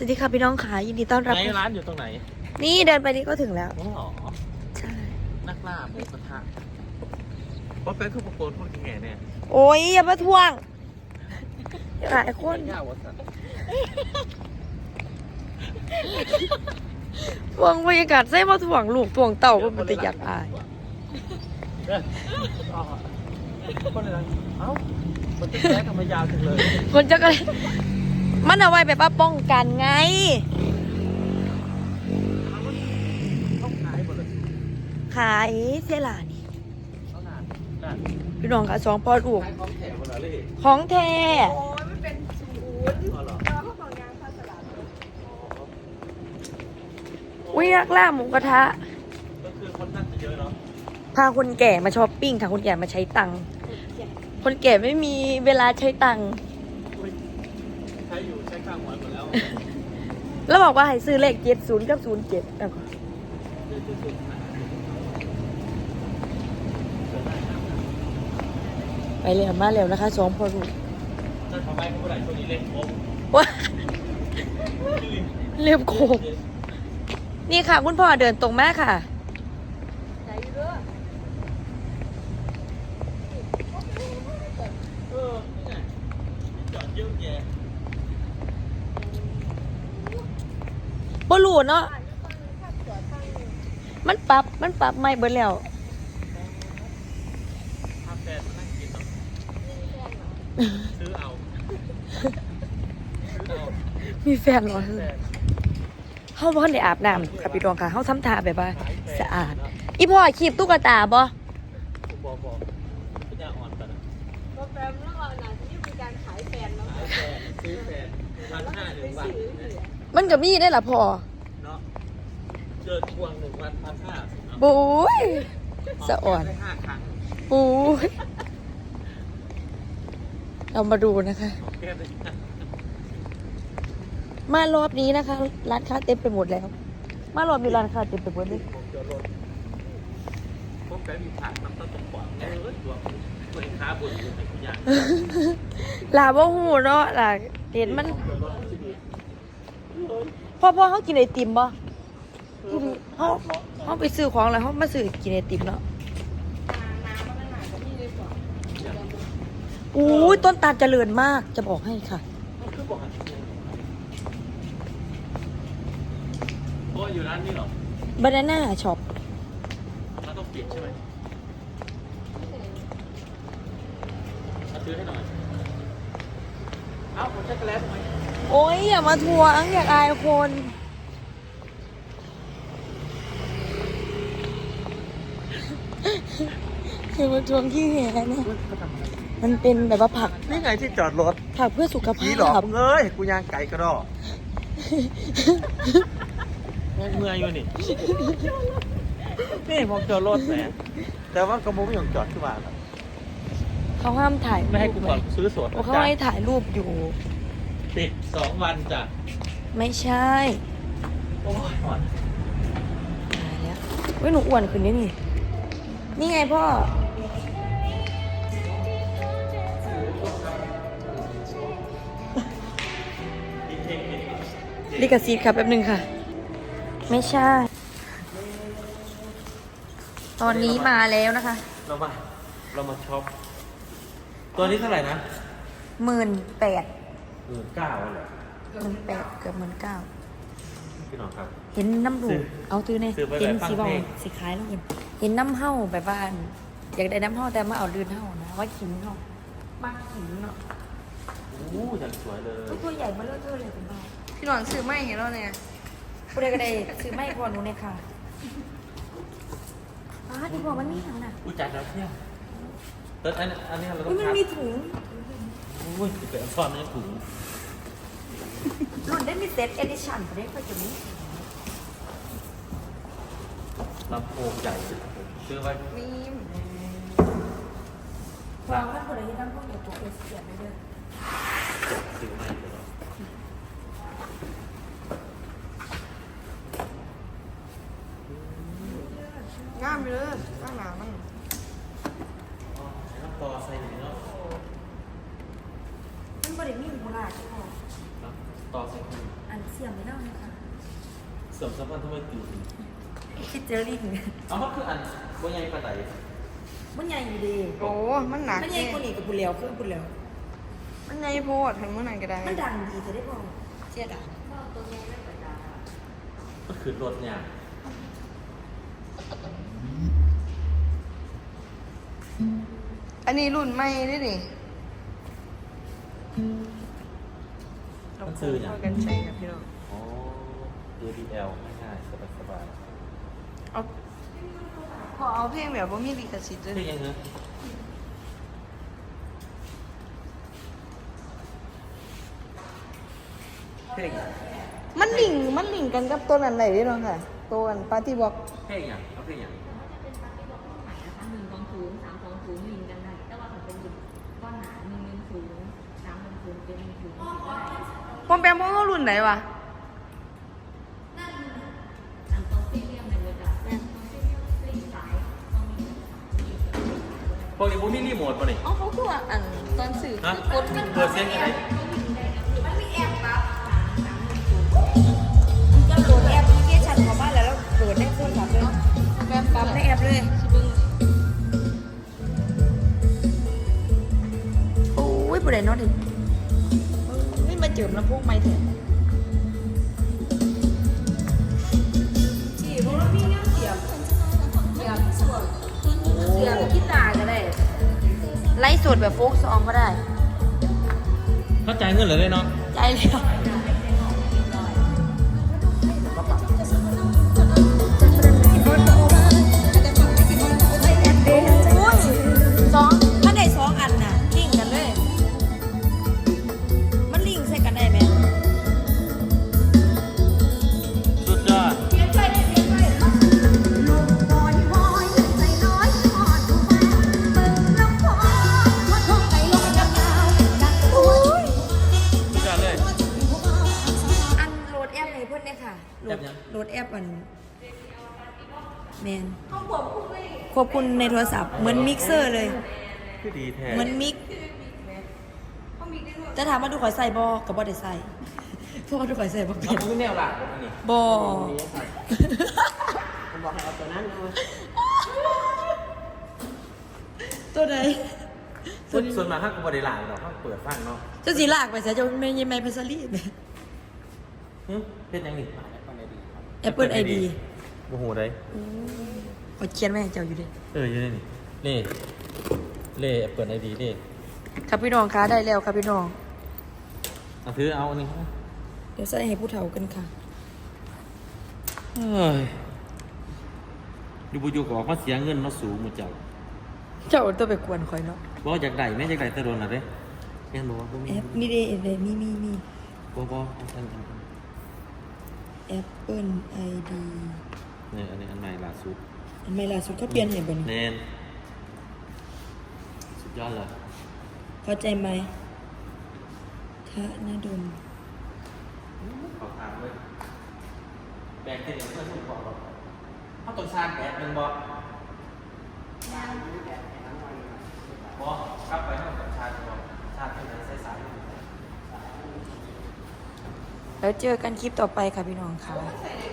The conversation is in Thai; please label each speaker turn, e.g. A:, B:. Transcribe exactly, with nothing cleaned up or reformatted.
A: วัสดีค่ะพี่น้องขายินดีต้อนรับ
B: ไหนร้านอยู่ตรงไหน
A: นี่เดินไปนี่ก็ถึงแล้ว
B: อ๋อ
A: ใช่
B: นักล่าหมูกระทะเพราะเป็นทุกคนพูดแง่เนี่ย
A: โอ้ยอย่ามาทวงหลายคน
B: ย่าวัสัน
A: ทวงบรรยากาศใส่มาทวงลูกทวงเต่าเป็นปฏิยักอาย
B: คนอะไรเอ้ามันจะแก้ทำไมยาวจังเลย
A: คนจะก็มันเอาไว้แบบว่าป้องกันไง
B: ต้องขายหมดเลย
A: ขายเสียหลานี่
B: เอาหนานหนาน
A: พี่น้องค่ะสองพ่อลูก
B: ขายของแถมหมดเลย
A: ของแท้
C: โอ้ยมันเป็นศูนย์
B: อ๋อเหรอ
C: เราเขาของยางพาสลัด
A: อุ้ยนักล่าหมูกระทะ
B: ก็คือคนนั่งจะเยอะเนาะ
A: พาคนแก่มาช้อปปิ้งค่ะคนแก่มาใช้ตังค์คนแก่ไม่มีเวลาใช้ตังค์
B: ใช้อยู่ใช้ข้างหัวหมดแล้ว
A: แล้วบอกว่าให้ซื้อเลขเจ็ดศูนย์กับศูนย์เจ็ดแล้วก็ไปเร็วมาเร็วนะคะสองพ่อลูก
B: จะทำไมผู้ใดช่วงนี้เล่นโค้ง
A: ว้าเร็วโคกนี่ค่ะคุณพ่อเดินตรงมาค่ะ
C: ใจเด้อ
B: เออนี่ไงจอดเยอะแยะ
A: บ่รู้เนาะ
C: บ้านนี้ฟังข้าวจอดฟังนี่
A: มันปรับมันปรับไม่เบิดแล้ว
B: พาแฟนมานั่งกินเนาะ
C: มีแฟนเหรอ
B: ซื้อเอาซื้อเอา
A: มีแฟนเหรอ
B: แฟน
A: เฮาบ่ทันได้อาบน้ำค่ะพี่ดวงค่ะเฮาทำท่าแบบว่าสะอาด อีพ่อคีบตุ๊กตาบ่
B: ผมบอกบอกปัญญาอ่อนกันนะ
C: โปรแกรมระหว่างนั้นที่มีการขายแฟนแล้ว
B: ขายแฟนซื้อแฟนพันห้าหนึ่งวัน
A: มันก็มีได้ล่ะพ่อ
B: เนาะเจอทวงหนึ่งวันพันห้า
A: บุ้ยสะอ่อน
B: ได้ห้าครั้ง
A: บุ้ยเรามาดูนะคะ
B: ของแก้มได้ห้าม
A: ารอบนี้นะคะ ร้านค้าเต็มไปหมดแล้ว มารอบนี้ร้านค้าเต็มไปหมดเลย
B: ผมเจอรถพวกแก้มมีผักน้ำต้นตกกว่าเออตัวคนค้าบุญอยู่ในทุกอย่าง
A: ลาบ่หูเนาะล่ะเห็นมัน
B: เจอรถที่ดี
A: พ่อพ่อเขากินไอติมบ่เขาเขาไปซื้อของแล้วเขามาซื้อกินไอติมเนาะ
C: น้ำมันหนากับพี่เลยก่อน
A: อู้ยต้นตาลเจริญมากจะบอกให้ค่ะ
B: มันคือบอกโอ้ยอยู่ร้านนี้เหรอบ
A: านาน่าช็อป
B: เราต้องปิดใช่ไหมมาซื้อให้หน่อย เอ้าผมช็อกโกแลตทำไม
A: โอ้ยอย่ามาทวงอยากอายคนอย่ามาทวงขี้แหนะมันเป็นแบบว่าผัก
B: นี่ไงที่จอดรถ
A: ผักเพื่อสุขภา
B: พี่หลอก
A: พ
B: มึงเอ้ยกูย่างไก่กระดอกเมื่อยอยู่นี่ นี่ผมจอดรถแหมแต่ว่ากระมุ้งยังจอดขึ้นมาแล้ว
A: เขาห้ามถ่าย
B: ไม่ให้กูก่อนซื้อสด
A: เพราะเขาให้ถ่ายรูปอยู่
B: ปิดสองวันจ้ะ
A: ไม่ใช่
B: โอ้ยอ่อน
A: ตายแล้วเว้ยหนูอ้วนขึ้นนี่นี่นี่ไงพ่อลิกาซีดครับแป๊บนึงค่ะ ไม่ใช่ ตอนนี้มาแล้วนะคะ
B: เรามา เรามาช็อป ตัวนี้เท่าไหร่นะ
A: หมื่นแปด
B: หมื่นเก้าเหรอ
A: หมื่นแปดเกือบหมื่นเก้า
B: พี่น้องครับ
A: เห็นน้ำดู
B: ซื้อ
A: เอาตื้อเนี่ย
B: ซื้อไป
A: เห็น
B: แบบฟัง
A: สีบอ
B: เพ
A: ล
B: ลง
A: สีคล้ายแล้วเห็นเห็นน้ำเห่าแบบว่าอยากได้น้ำเห่าแต่มาเอาลื่นเห่านะว่าขิงเนาะมากขิงเนาะ
B: โอ้อย่างสวยเลย
A: ตัวใหญ่มาเลื่อยๆเลยคุณพ่อพี่หนอนซื้อไม่เห็นแล้วเนี่ยผู้ใดก็ได้ซื้อไม่พอหนูเนี่ยค่ะอ้าที่บอกมันมีถังน่ะ
B: อุ้ยจัดแล้วเนี่ยแต่อันอันนี้เราต้อ
A: อุ้
B: ง
A: ยมัน
B: พับ
A: มีถุง
B: อุ้ยจะเป็นซ่อนในถุง
A: รุ่นได้มีเซตเอดิชั่นประเด็นก็จะมี
B: ลำโพงใหญ่สุดผมซื้อไว้
A: มีวางไว้คนละที่ตั้งพวกเดี๋ยวตัวเอสเสียไปเลย
B: ซื้อไม่เลย
C: งามเลยข้างหน้ามัน
B: น้ำต่อใส่หนึ่งเนาะ
A: มันบริมีมูลาใช่ไหม
B: ต่อใส่ถุง
A: อันซีสียมไม่เล่าเลยค่ะ
B: เสริมสัมพันธ์ทำไมตื่น
A: คิดเจอลิง
B: เอามันคืออันว่าไงปลาไหล
A: มันใหญ่อยู่ดี
C: โอ้มันหนัก
A: มันใหญ่กว่านี้กับปุเรียวเครื่องปุเรียว
C: มันใหญ่โพดทางเมื่อไหร่ก็ได้
A: มันดังดีจะได้พอเจ๊ดัง
B: มันคือรถเนี่ย
C: อันนี้รุ่นใหม่ด้วยนี่
B: มันซื้ออย่าง
C: เรากันใช้นะพี่น้อง
B: อ๋อ เอ ดี แอล ง่ายๆสบาย
C: เอาพอเอาเพลงแบบว่ามีลิขสิทธิ์
B: ๆ
C: ด้วย
B: เท่ยังไงเท่ยัง
C: มันลิงมันลิงกันกับตัวนั้นไหนด้วยน้องค่ะ ตัวอันปาร์ตี้บ็อก
B: เท่ยังเอาเท่ยัง
D: นะคะหนึ่งกองสูงสามกองสูงลิงกันได้แต่ว่าถ้าเป็นก้อนหนาหนึ่งหนึ่งสูงสามหนึ่งสูงเป็นหนึ่งสูงก็ได้
C: ปอมแปมว่ารุ่นไหนวะ
D: สามกองซีเรียมในเวลาแม่กองซีเรียมลิงสายกองมี
B: พวกนี้พวกนี้รีโมทป่ะนี่
C: อ๋อเขาคือว่าอันตอนสื่อ
B: ฮะ
C: คือกดมัน
B: เปิดเสียงยังไง
A: ก็โหลดแอปพลิเคชันของบ้านแล้วแล้วโหลดในโทรศัพท์เลย
C: แปม
A: ปรับในแอปเลย โอ้ยผู้ใดเนอนดิไม่มาเจิมลำโพงไม่เถอะจีเพราะว่าพี่เนี่ยเสียบเสียบส่วนเสียบกีตาร์ก็ได้ ไลฟ์สดแบบโฟกซองก็ได้
B: เข้าใจเงินเหรอเลยเนาะ
A: ใจเลยสองถ้าได้สองอันน่ะลิงก์กันเลย มันลิงก์ใส่กันได้ไหม
B: สุดยอด สุดยอดเลย
A: อันโหลดแอปให้เพื่อนเนี่ยค่ะโหลด
B: แอปยัง
A: โหลดแอปอันแมนควบคุมในโทรศัพท์ เหมือนมิกเซอร์เลย
B: คือดีแท้
A: เหมือนมิก จะถามว่าดูข่อยใส่บอกับบอได้ใส่ เพราะว่าดูข่อยใส่บอกเป็
B: เอา
A: น
B: คือแนวหลักอันนี้
A: บอ
C: ผมบอกให้เอาตัวนั้นเลย
A: ตัวไหน
B: ส่วนส่วนมากถ้ากูบริหลายเราถ้าเปิดฟังเนาะ
A: เจ้าสีลากไปใส่เจ้าไม่ยังไม่พัสลีไหม
B: หึเป็นยังนี่
A: Apple ไอ ดี
B: โอ้โหได้
A: ขอเขียนไว้ให้เจ้าอยู่ดิ
B: เอออยู่นี่นี่เล่เล่เปิดไอดีเล่
A: ครับพี่น้องคะได้แล้วครับพี่น้อง
B: เอาถือเอาอันนี้
A: เดี๋ยวใส่ให้ผู้เฒ่ากันค่ะ
B: เฮ้ยดูบุญอยู่ก็ออกมาเสียเงินมาสูงหมดเจ้า
A: เจ้าตัวไปกวนข่อยเนาะ
B: บอกอยากได้ไหม่อยากได้แตะโดนอะไรแม่นบอกว่าบ่มี
A: แอปนี่เด้เด้มีมีมี
B: บอกบอกอันอันอัน
A: Apple ไอ ดี
B: เนี่ยอันนี้อันใหม่ล่าสุด
A: อันใหม่ล่าสุดเขาเปลี่ยนให้บ่นี่
B: แนนสุดยอดเลย
A: เข้าใจไหมทะนาดม
B: ขอถามเลยแบกเต็มเพื่อนทุกบอกหรอกถ้าต้องชาร์จแบตมันบอกบอกกลับไปให้ต้องชาร์จบอกชาร์จที่ไหนใช้สาย
A: แล้วเจอกันคลิปต่อไปค่ะพี่น้องค่ะ
C: ใส่